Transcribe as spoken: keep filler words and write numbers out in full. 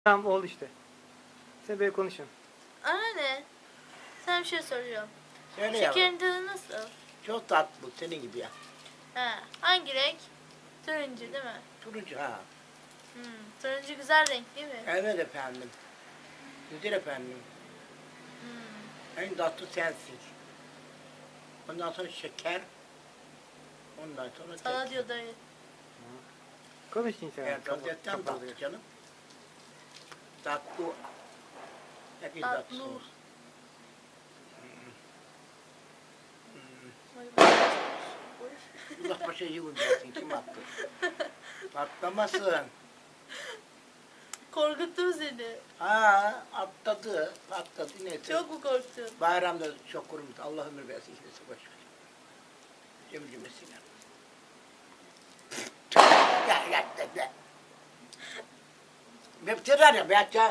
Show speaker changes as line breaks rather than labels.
Tamam oldu işte. Sen böyle konuşun.
Anne, sen bir şey soracağım.
Söyle yavrum.
Şekerin tadı nasıl?
Çok tatlı senin gibi ya.
Ha, hangi renk? Turuncu değil mi?
Turuncu ha.
Hmm, turuncu güzel renk değil mi?
Evet efendim. Güzel efendim.
Hmm.
En tatlı sensin. Ondan sonra şeker. Ondan sonra
Sana
tek.
diyor dayı.
Konuşun sen.
Evet, gazetten tatlı canım. Tatlı. Hepiniz
Tatlı.
tatlısınız. Allah başa yığın dersin. Kim attı? Patlamasın.
Korkuttum seni.
Ha atladı. Atladı neyse.
Çok mu korktun?
Bayramda çok kurumuş. Allah ömür versin. Kimse boş ver. Cemil cümlesiyle. Ya ya ya ya. Ben bitirir ya. Ben